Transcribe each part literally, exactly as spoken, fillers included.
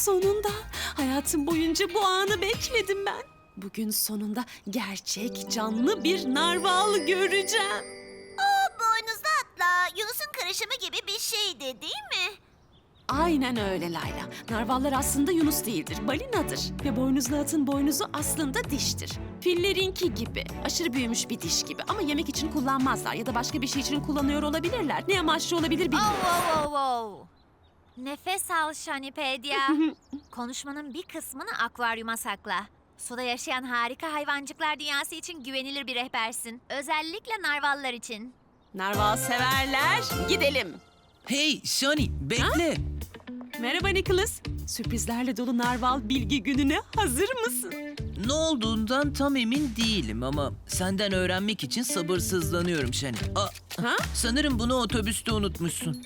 Sonunda. Hayatım boyunca bu anı bekledim ben. Bugün sonunda gerçek canlı bir narval göreceğim. O boynuzlu atla Yunus'un karışımı gibi bir şeydi değil mi? Aynen öyle Layla. Narvallar aslında yunus değildir, balinadır. Ve boynuzlu atın boynuzu aslında diştir. Fillerinki gibi, aşırı büyümüş bir diş gibi. Ama yemek için kullanmazlar ya da başka bir şey için kullanıyor olabilirler. Ne amaçlı olabilir bilmiyorum. Oh, oh, oh, oh. Nefes al Şanipedya. Konuşmanın bir kısmını akvaryuma sakla. Suda yaşayan harika hayvancıklar dünyası için güvenilir bir rehbersin. Özellikle narvallar için. Narval severler, gidelim. Hey Shani, bekle. Merhaba Nicholas. Sürprizlerle dolu narval bilgi gününe hazır mısın? Ne olduğundan tam emin değilim ama senden öğrenmek için sabırsızlanıyorum Shani. Aa, Ha? sanırım bunu otobüste unutmuşsun.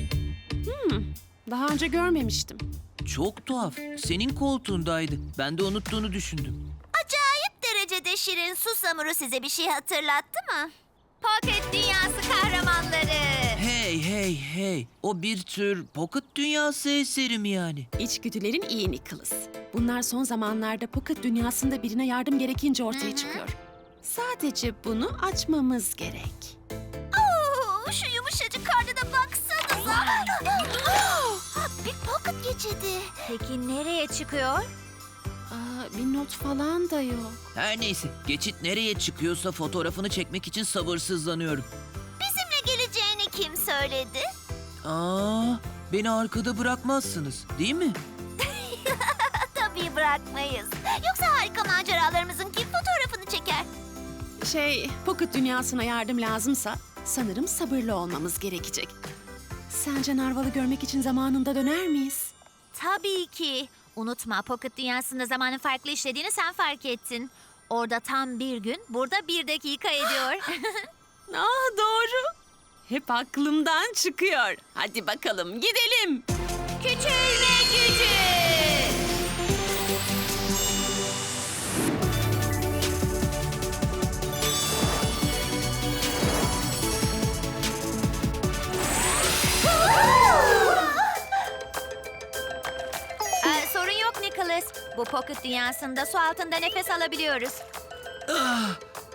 Daha önce görmemiştim. Çok tuhaf. Senin koltuğundaydı. Ben de unuttuğunu düşündüm. Acayip derecede şirin susamuru size bir şey hatırlattı mı? Pocket Dünyası kahramanları. Hey hey hey. O bir tür Pocket Dünyası eseri mi yani? İçgüdülerin iyi Nicholas. Bunlar son zamanlarda Pocket dünyasında birine yardım gerekince ortaya çıkıyor. Sadece bunu açmamız gerek. Oo, şu yumuşacık karnına baksanıza. Ha, bir pocket geçidi. Peki nereye çıkıyor? Aa, bir not falan da yok. Her neyse. Geçit nereye çıkıyorsa fotoğrafını çekmek için sabırsızlanıyorum. Bizimle geleceğini kim söyledi? Aa, beni arkada bırakmazsınız, değil mi? Tabii bırakmayız. Yoksa harika maceralarımızın kim fotoğrafını çeker? Şey, Pocket dünyasına yardım lazımsa sanırım sabırlı olmamız gerekecek. Sence narvalı görmek için zamanında döner miyiz? Tabii ki. Unutma, Pocket Dünyası'nda zamanın farklı işlediğini sen fark ettin. Orada tam bir gün, burada bir dakika ediyor. Ah doğru. Hep aklımdan çıkıyor. Hadi bakalım gidelim. Küçülme gücü. Ee, sorun yok Nicholas. Bu Pocket Dünyası'nda su altında nefes alabiliyoruz. A-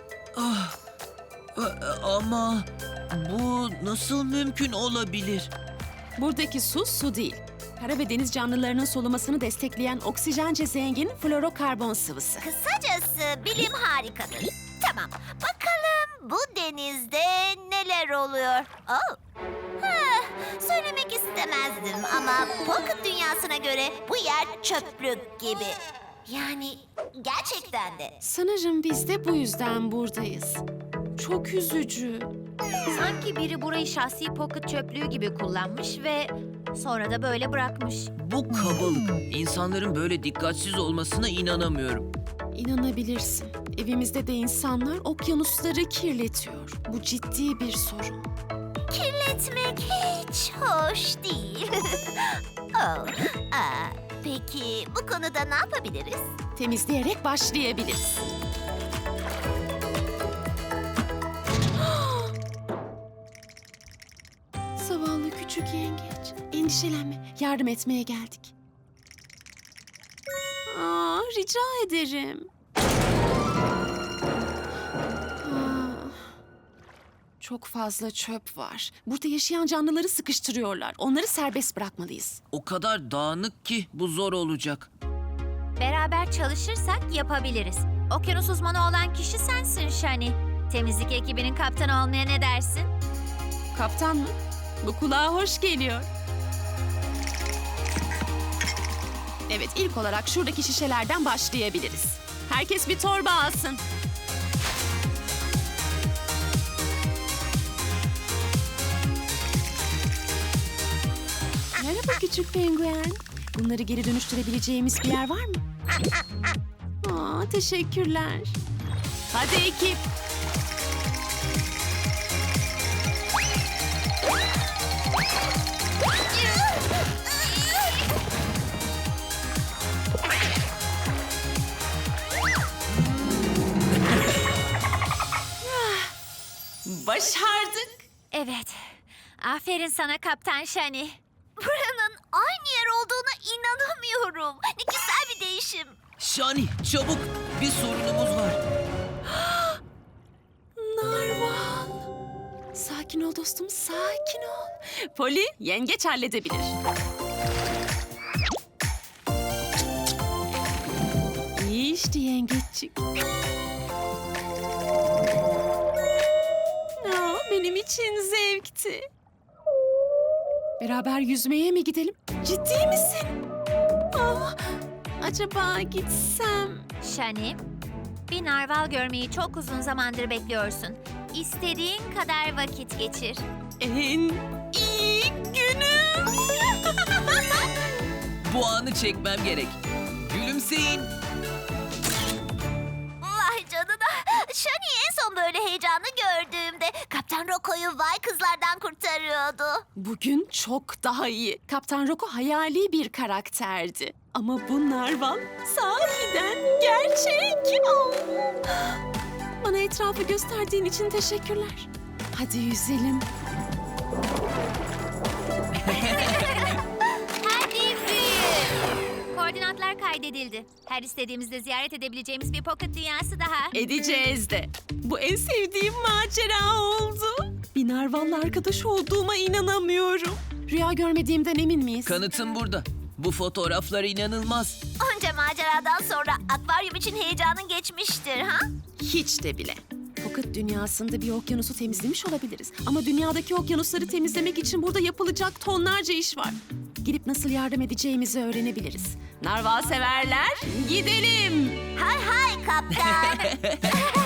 Ama bu nasıl mümkün olabilir? Buradaki su su değil. Kara ve deniz canlılarının solumasını destekleyen oksijence zengin florokarbon sıvısı. Kısacası bilim harikadır. Tamam, bakalım bu denizde neler oluyor? Oh. Heh, söylemek istemezdim ama Pocket dünyasına göre bu yer çöplük gibi. Yani gerçekten de. Sanırım biz de bu yüzden buradayız. Çok üzücü. Sanki biri burayı şahsi pocket çöplüğü gibi kullanmış ve sonra da böyle bırakmış. Bu kabalık. İnsanların böyle dikkatsiz olmasına inanamıyorum. İnanabilirsin. Evimizde de insanlar okyanusları kirletiyor. Bu ciddi bir sorun. Kirletmek hiç hoş değil. oh. Aa, peki bu konuda ne yapabiliriz? Temizleyerek başlayabiliriz. Zavallı küçük yengeç. Endişelenme. Yardım etmeye geldik. Aa, rica ederim. Aa, çok fazla çöp var. Burada yaşayan canlıları sıkıştırıyorlar. Onları serbest bırakmalıyız. O kadar dağınık ki bu zor olacak. Beraber çalışırsak yapabiliriz. Okyanus uzmanı olan kişi sensin Shani. Temizlik ekibinin kaptanı olmaya ne dersin? Kaptan mı? Bu kulağa hoş geliyor. Evet, ilk olarak şuradaki şişelerden başlayabiliriz. Herkes bir torba alsın. Merhaba küçük penguen. Bunları geri dönüştürebileceğimiz bir yer var mı? Aa, teşekkürler. Hadi ekip. Başardık. Evet. Aferin sana Kaptan Shani. Buranın aynı yer olduğuna İnanamıyorum. Ne güzel bir değişim. Şani çabuk, bir sorunumuz var. Narval. Sakin ol dostum, sakin ol. Poli, yengeç halledebilir. İyi işte yengeççik. Aa, benim için zevkti. Beraber yüzmeye mi gidelim? Ciddi misin? Aa, acaba gitsem? Şani, bir narval görmeyi çok uzun zamandır bekliyorsun. İstediğin kadar vakit geçir. En iyi günüm. Bu anı çekmem gerek. Gülümseyin. Vay canına. Shani en son böyle heyecanlı gördüğümde Kaptan Rocco'yu vay kızlardan kurtarıyordu. Bugün çok daha iyi. Kaptan Rocco hayali bir karakterdi. Ama bu narval sahiden gerçek. Oh. Bana etrafı gösterdiğin için teşekkürler. Hadi yüzelim. Hadi büyü. Koordinatlar kaydedildi. Her istediğimizde ziyaret edebileceğimiz bir pocket dünyası daha. Edeceğiz de. Bu en sevdiğim macera oldu. Bir narvalla arkadaş olduğuma inanamıyorum. Rüya görmediğimden emin miyiz? Kanıtım burada. Bu fotoğraflar inanılmaz. Onca maceradan sonra akvaryum için heyecanın geçmiştir ha? Hiç de bile. Pocket dünyasında bir okyanusu temizlemiş olabiliriz. Ama dünyadaki okyanusları temizlemek için burada yapılacak tonlarca iş var. Gidip nasıl yardım edeceğimizi öğrenebiliriz. Narval severler, gidelim. Hay hay kaptan.